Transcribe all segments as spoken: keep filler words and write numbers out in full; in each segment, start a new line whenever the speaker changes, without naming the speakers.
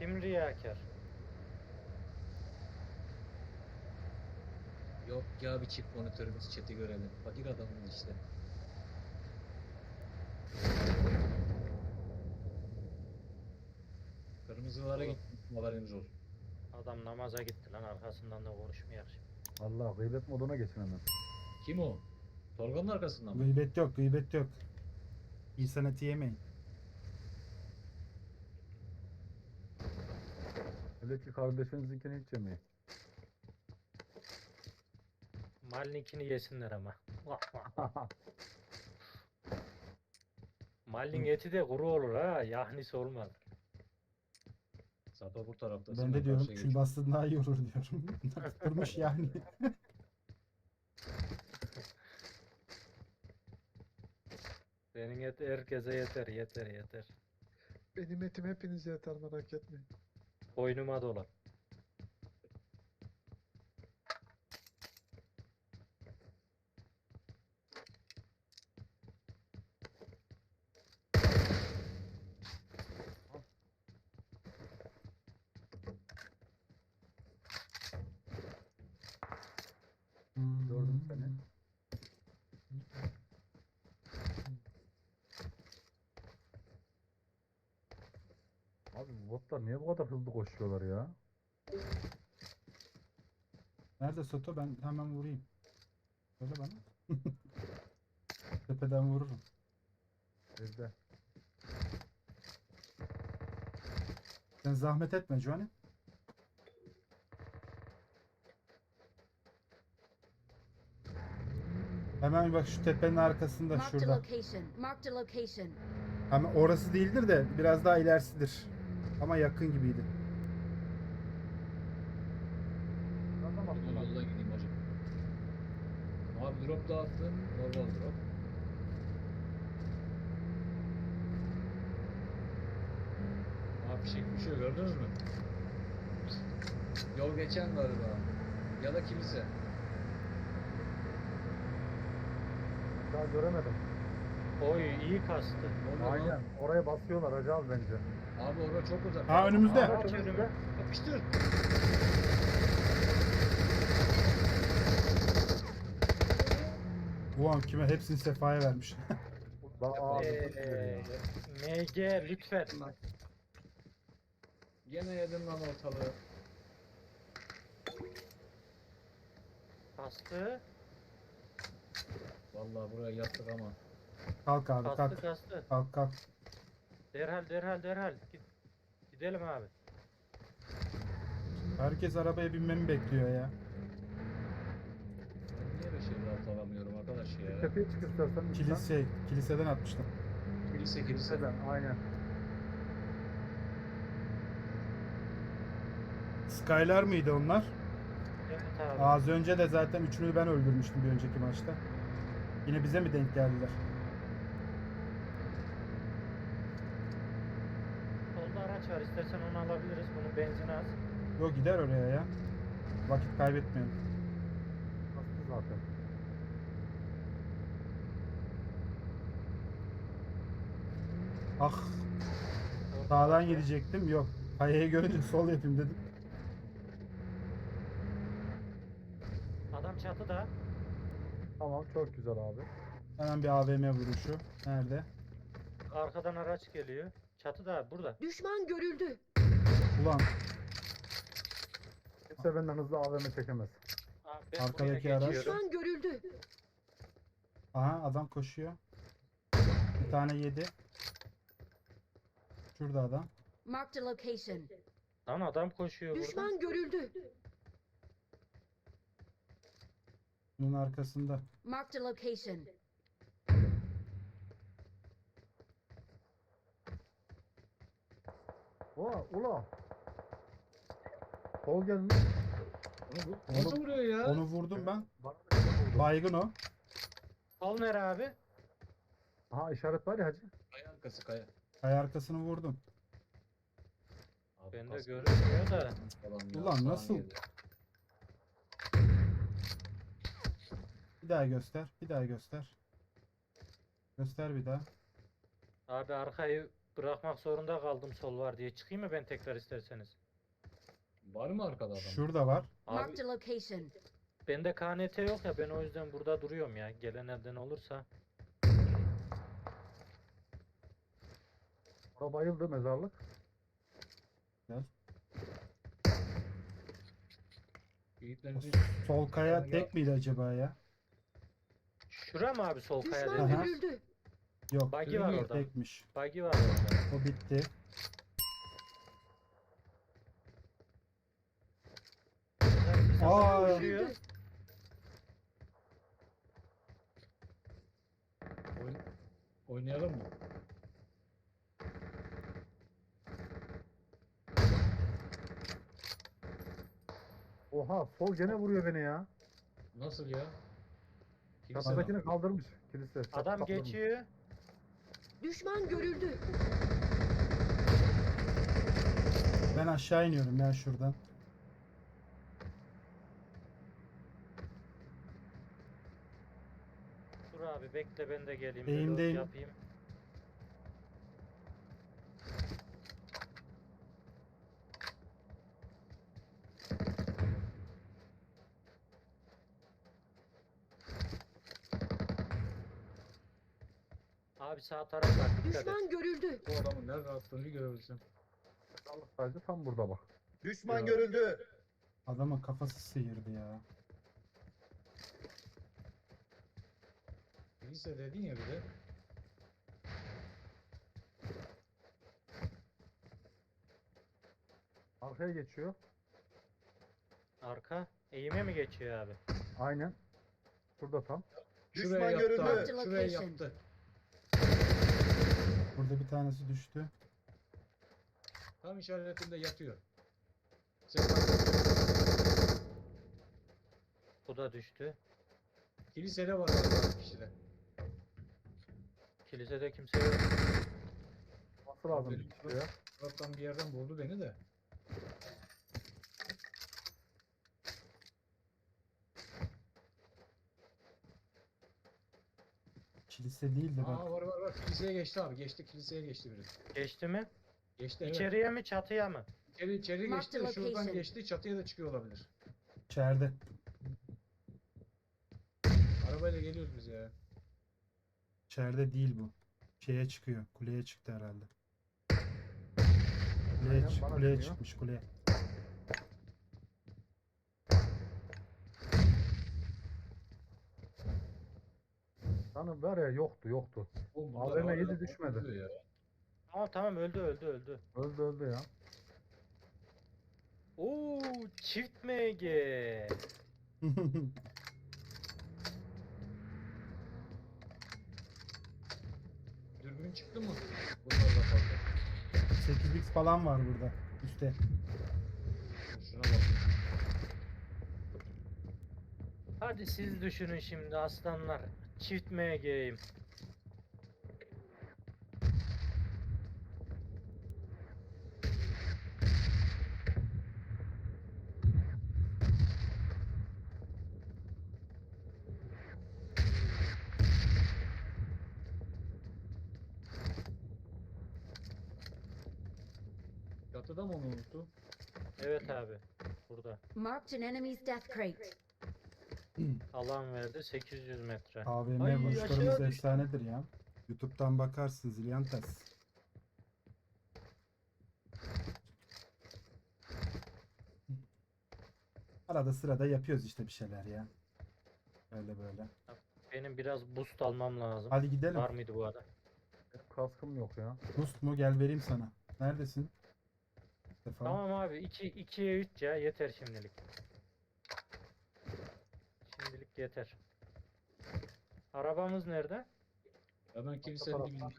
Kim riyakar?
Yok ya, bir çift monitörümüz, chat'i görelim. Fakir adamın işte. Kırmızılara
Oğlum.
gittim, haberiniz olsun.
Adam namaza gitti lan, arkasından da konuşmayak şimdi.
Allah gıybet moduna geçin hemen.
Kim o? Tolga'nın arkasından mı?
Gıybet yok, gıybet yok. İnsan eti yemeyin.
Öyle ki kardeşinizinkini hiç yemeyin.
Malninkini yesinler ama. Malnin eti de kuru olur ha. Yahnisi olmaz.
Sato bu tarafta.
Ben
Sinan
de diyorum
karşıya
kül
geçiyor.
bastığın daha iyi olur diyorum. Tutturmuş yani.
Senin et herkese yeter, yeter, yeter.
Benim etim hepinize yeter, merak etmeyin.
Boynuma dolar.
Gördüm seni. Abi bu botlar niye bu kadar hızlı koşuyorlar ya?
Nerede Soto? Ben hemen vurayım. Söyle bana. Tepeden vururum.
Evde.
Sen zahmet etme Johnny. Hemen bak şu tepenin arkasında
Marked a
şurada.
location. Marked a location.
Ama orası değildir de biraz daha ilerisidir. Ama yakın gibiydi.
Nereden
Ben
attın lan?
yoldan gideyim hacı. Abi drop dağıttı. Normal drop. Abi fişek bir şey gördünüz mü? Yol geçen galiba. Ya da kilise.
Daha göremedim.
Oy iyi kastı.
Orada
Aynen.
lan.
Oraya basıyorlar hacı abi bence.
Abi orada çok uzak.
Ha, önümüzde.
Abi,
Araç önümü.
Yapıştır.
Ulan kime hepsini Sefa'ya vermiş.
Daha abi.
Eee M G lütfen.
Gene yedim lan ortalığı.
Kastı.
Vallahi buraya yattık ama.
Kalk abi
Kastı
kalk.
kastı.
Kalk kalk.
Derhal derhal derhal. Git. Gidelim abi.
Herkes arabaya binmemi bekliyor ya.
Ben niye böyle şeyler alt alamıyorum arkadaş ya?
Tepeye çık istersen.
Kilise, kiliseden atmıştım.
Kilise kilise.
Kiliseden aynen.
Skylar mıydı onlar?
Evet abi.
Az önce de zaten üçünü ben öldürmüştüm bir önceki maçta. Yine bize mi denk geldiler?
Solda araç var. İstersen onu alabiliriz. Bunun benzini az.
Yok gider oraya ya. Vakit kaybetmeyelim.
Bastı zaten.
Ah, sağdan gidecektim. Yok. Kayayı görünce sol yapayım dedim.
Adam çatıda.
Tamam çok güzel abi.
Hemen bir A V M vuruşu. Nerede?
Arkadan araç geliyor. Çatıda burada.
Düşman görüldü.
Ulan
Kimse benden hızlı A V M çekemez.
Abi ben
Arkadaki
buraya
araç.
geçiyorum.
Düşman görüldü.
aha adam koşuyor. Bir tane yedi. Şurada adam.
Marked a location.
Lan adam koşuyor burada.
Düşman görüldü.
Bunun arkasında.
Marked a location.
Ola ula. Kol gelmiş.
Onu, bu- nasıl vuruyor ya?
Onu vurdum ben.
Bana da şey oldu.
Baygın o.
Sol nere abi?
Aha işaret var ya hacı.
Kaya arkası kaya.
Kaya arkasını vurdum.
Abi,
Ben de
kask
görünmüyor da.
falan ya,
Ulan
sağan
nasıl?
geldi.
Bir daha göster. Bir daha göster. Göster bir daha.
Abi arkayı bırakmak zorunda kaldım sol var diye. Çıkayım mı ben tekrar isterseniz?
Var mı arkada adam?
Şurada var.
Abi
Marked a location.
bende K N T yok ya, ben o yüzden burada duruyorum ya. Gelen elden olursa.
Orada bayıldı mezarlık.
Yiğitlerin
Sol kaya
Yani
tek miydi acaba ya?
Şura mı abi sol kaya
Düşman
dedi?
Aha.
görüldü.
Yok.
Buggy var orada.
Tekmiş.
Buggy var orada.
O bitti. Aa.
Uçuyor.
oyun... oynayalım mı?
Oha sol gene vuruyor beni ya.
Nasıl ya? Kilise
Çatıdakini kaldırmış. Kilise. çatı
Adam
kaldırmış.
geçiyor.
Düşman görüldü.
Ben aşağı iniyorum ya şuradan.
Dur abi bekle, ben de geleyim.
Eğimdeyim.
reload yapayım. Abi sağ taraf var, dikkat et.
Düşman görüldü.
Bu adamın nerede attığını görebilsin.
Mezarlık sadece tam burada bak.
Düşman
Ya.
görüldü.
Adamın kafası sıyırdı ya.
Kilise dedin ya bir de.
Arkaya geçiyor.
Arka eğime mi geçiyor abi?
Aynen. Burada tam.
Düşman
Şuraya yaptı
görüldü.
abi.
Marked
Şuraya
location.
yaptı.
Burada bir tanesi düştü.
Tam işaretinde yatıyor. Sen
Bu da düştü.
kilisede var orada kişide.
Kilisede kimse yok.
Nasıl lazım
Benim-
bir kişi ya?
Taraftan bir yerden vurdu beni de.
Kilise değil de bak.
Aa var var var. Kiliseye geçti abi. Geçti kiliseye geçti biri.
Geçti mi?
Geçti evet.
İçeriye mi çatıya mı?
İçeri, içeri
Mark
geçti.
the
Şuradan
location.
geçti. Çatıya da çıkıyor olabilir.
İçeride.
Arabayla geliyoruz biz ya.
İçeride değil bu. Şeye çıkıyor. Kuleye çıktı herhalde. Kuleye,
Aynen,
çık-
bana
kuleye
dönüyor.
çıkmış kuleye.
Canım var ya yoktu yoktu.
Oğlum
A V
bunlar
M yedi
hala
düşmedi.
patlıyor ya.
Tamam tamam, öldü öldü öldü.
Öldü öldü ya.
Oo, çift M G.
Dürbün çıktı mı? Bunlar da fazla.
sekiz x falan var burada. Üste.
Şuna bak.
Hadi siz düşünün şimdi aslanlar. Çift M G'yim.
Çatıda mı onu unuttu?
Evet abi. Burada.
Marked an enemy's death crate.
Alan verdi sekiz yüz metre.
A V M
Ay,
vuruşlarımız
aşağı düştü.
efsanedir ya. YouTube'dan bakarsın Zilyantes. Arada sırada yapıyoruz işte bir şeyler ya. Böyle böyle.
Benim biraz boost almam lazım.
Hadi gidelim.
Var mıydı bu arada?
Benim kaskım yok ya.
Boost mu? Gel vereyim sana. Neredesin? Sefa.
Tamam abi, iki ikiye üç ya yeter şimdilik. Şimdilik yeter. Arabamız nerede?
Hemen kilisenin
tarafta.
dibinde.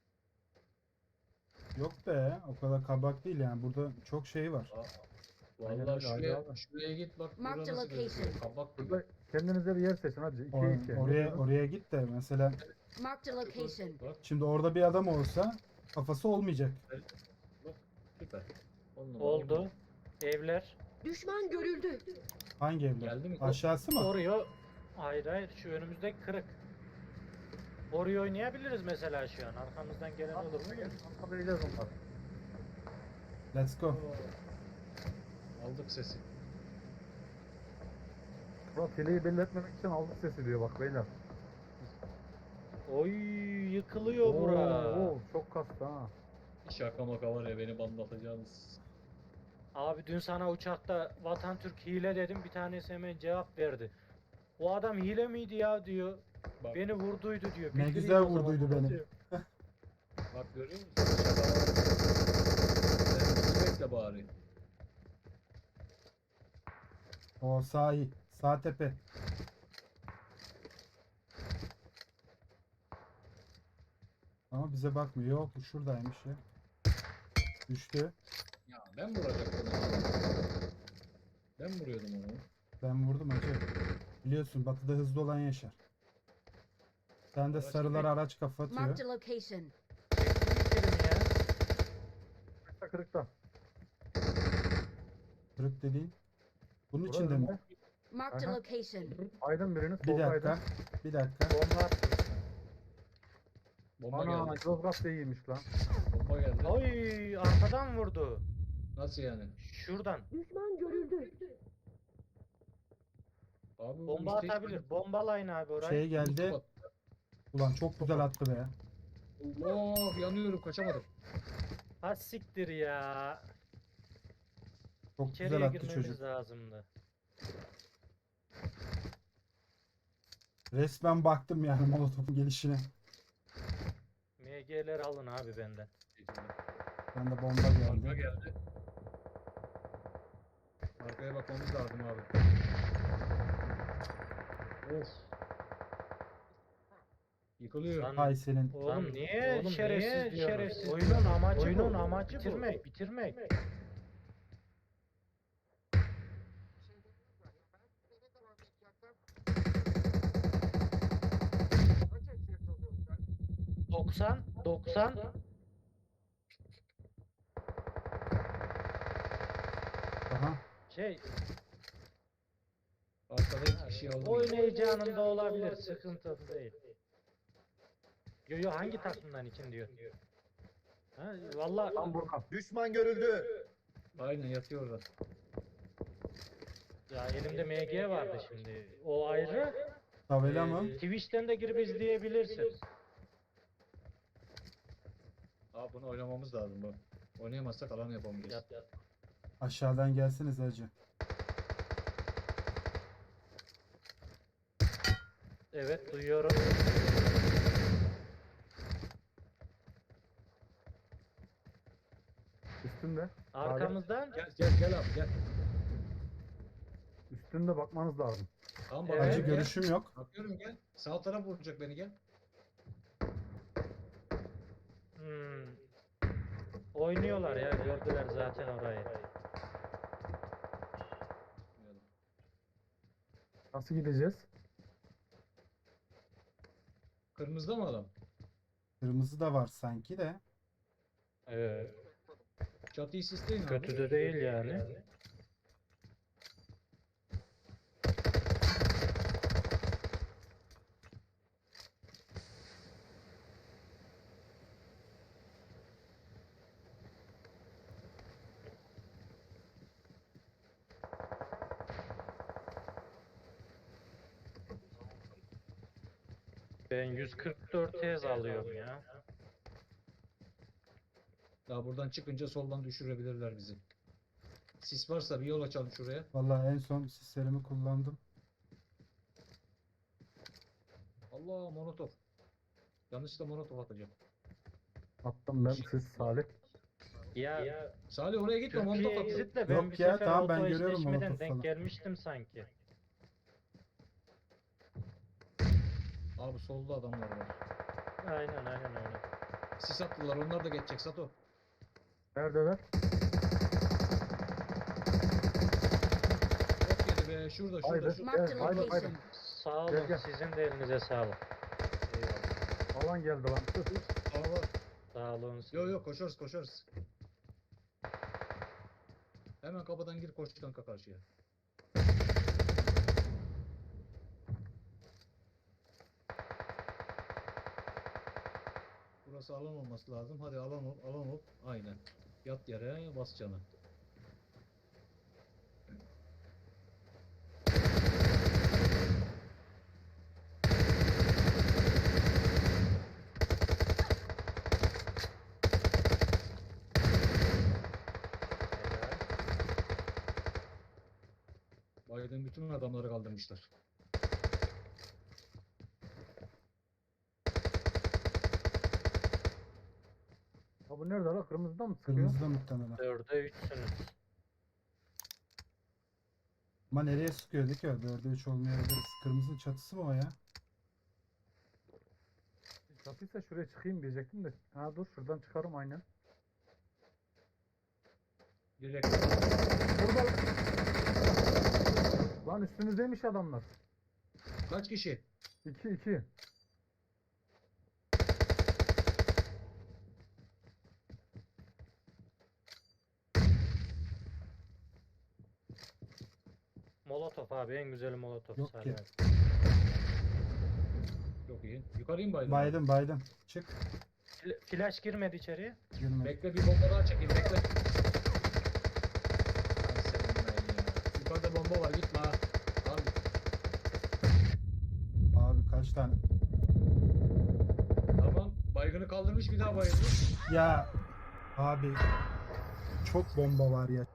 Yok be, o kadar kabak değil yani. Burada çok şey var.
Aynen
Vallahi
öyle,
şuraya,
abi.
şuraya git bak.
Mark
burada
the
nasıl gözüküyor.
location.
Kabak gibi.
Burada kendinize bir yer seçin hadi.
O-
ikiye iki.
oraya oraya git de mesela
Marked a location.
Bak
şimdi orada bir adam olsa kafası olmayacak.
süper. On numara.
Oldu. Evler.
Düşman görüldü.
Hangi evler?
Geldi mi?
Aşağısı mı?
Oraya. Hayır hayır, şu önümüzdeki kırık. Oraya oynayabiliriz mesela şu an. Arkamızdan gelen olur mu?
Anlamayacağız onları.
Let's go.
Aldık sesi.
Ulan fileyi belli etmemek için aldık sesi diyor bak beyler.
Oy yıkılıyor bura.
Oo, çok kastı ha.
Şaka maka var ya beni bandatacağınız.
Abi dün sana uçakta Vatan Türk hile dedim, bir tanesi hemen cevap verdi. O adam hile miydi ya diyor.
Bak,
Beni vurduydu diyor.
Ne
Bildireyim
güzel
o zaman
vurduydu
ona
beni.
diyor.
bak görüyor musun? Şaka var. Sen bizi bekle bari.
O sağ iyi. Sağ tepe. Ama bize bakmıyor. Yok bu şuradaymış ya. Düştü.
Ya ben vuracaktım onu. Ben vuruyordum onu.
Ben vurdum hacı. Biliyorsun batıda hızlı olan yaşar. Sen de
Araç
sarılar
köpek.
araç kafa atıyor.
Marked a location.
Bitirin ya.
Kırıkta kırıkta.
Kırık dediğin. Bunun
Burası
içinde mi?
ne?
Marked a
Aha.
location.
Aydın biriniz.
Bir
solda
dakika.
Aydın.
Bir dakika.
Bomba attım.
Bomba
Ana
geldi.
Yozgat da iyiymiş lan.
Bomba geldi.
Oy arkadan vurdu.
Nasıl yani?
Şuradan.
Düşman görüldü.
Abi bu
Bomba
işte hiç
atabilir. Bombalayın abi orayı.
Şey geldi.
Bak,
Ulan çok güzel attı be.
Allah yanıyorum kaçamadım.
Ha siktir ya.
Çok
İçeriye
güzel attı
girmemiz
çocuk.
lazımdı.
Resmen baktım yani molotofun gelişine.
M G'ler alın abi benden.
Ben de bomba
Bomba
geldi.
geldi. Arkaya bakmamız lazım abi. Of. Yıkılıyor.
Lan,
Hay senin.
Oğlum niye
oğlum
şerefsiz
niye
diyorsunuz?
şerefsiz
Oyunun
diyorsunuz?
amacı
Oyunun
bu.
amacı bu.
bitirmek, bitirmek. doksan, doksan.
Aha.
Şey,
Arkada iki kişi aldım.
oyun heyecanında olabilir, sıkıntı değil. Yo yo hangi takımdan için diyor. Ha, vallahi
Tam burada.
Düşman görüldü.
Aynen yatıyor orada.
ya elimde M G vardı şimdi. O ayrı.
Tabela
Ee,
mı?
Twitch'ten de girip izleyebilirsin.
Abi bunu oynamamız lazım bu. Oynayamazsak alan yapamayacağız.
Yat, yat.
Aşağıdan gelsiniz hacı.
Evet duyuyorum.
Üstünde.
Arkamızdan.
Gel gel gel abi gel.
Üstünde bakmanız lazım.
Tamam
Evet.
bak.
Hacı
gel.
görüşüm yok.
Bakıyorum gel. Sağ taraf vuracak beni gel.
Hmm. Oynuyorlar ya, gördüler zaten orayı.
Nasıl gideceğiz?
Kırmızıda mı adam?
Kırmızı da var sanki de.
Evet.
Çatıyı sisleyin abi.
Kötü de değil yani. Ben yüz kırk dört Hz alıyorum ya.
Daha buradan çıkınca soldan düşürebilirler bizi. Sis varsa bir yol açalım şuraya.
Vallahi en son sislerimi kullandım.
Allah molotof. Yanlışlıkla molotof atacağım.
Attım ben siz Salih.
Ya
Salih oraya gitme
Türkiye
molotof atıyor.
Exit'le ben
Yok
bir
ya,
sefer
tamam, ben
auto
görüyorum
eşleşmeden
molotof
denk
falan.
gelmiştim sanki.
Abi solda adamlar var.
Aynen aynen öyle.
Sis attılar onlar da geçecek Sato.
Neredeler?
Çok yedi be şurada şurada
Haydi.
şurada.
Marked a
Gel, haydi, haydi.
location.
Sağ
Gel,
olun,
gel.
sizin de elinize sağlık.
Eyvallah.
Alan geldi lan.
Aa var.
Sağ olun.
Yok yok koşarız koşarız. Hemen kapıdan gir koş kanka karşıya. Burası alan olması lazım. Hadi alan ol, alan ol. Aynen. Yat yere, bas canı. Biden bütün adamları kaldırmışlar.
Ha bu nerede la? Kırmızıda mı sıkıyor?
Kırmızıda muhtemelen.
Dörde üçsünüz.
Ama nereye sıkıyordu ki o? dörde üç olmayabiliriz. Kırmızının çatısı mı o ya?
Çatıysa şuraya çıkayım diyecektim de. Ha dur şuradan çıkarım aynen.
Direkt
Burada. Lan üstümüzdeymiş adamlar.
kaç kişi?
iki iki.
Molotof abi, en güzeli molotof.
Yok
Salih
ki.
abi.
Çok iyi. Yukarıyım Biden.
Baydım baydım. Çık.
Fl- Flash girmedi içeriye.
Girme.
Bekle bir bomba daha çekeyim bekle. Ay senin ben ya. Yukarıda bomba var gitme ha. Al.
Abi kaç tane?
Tamam. Baygını kaldırmış bir daha bayıldı.
Ya abi çok bomba var ya.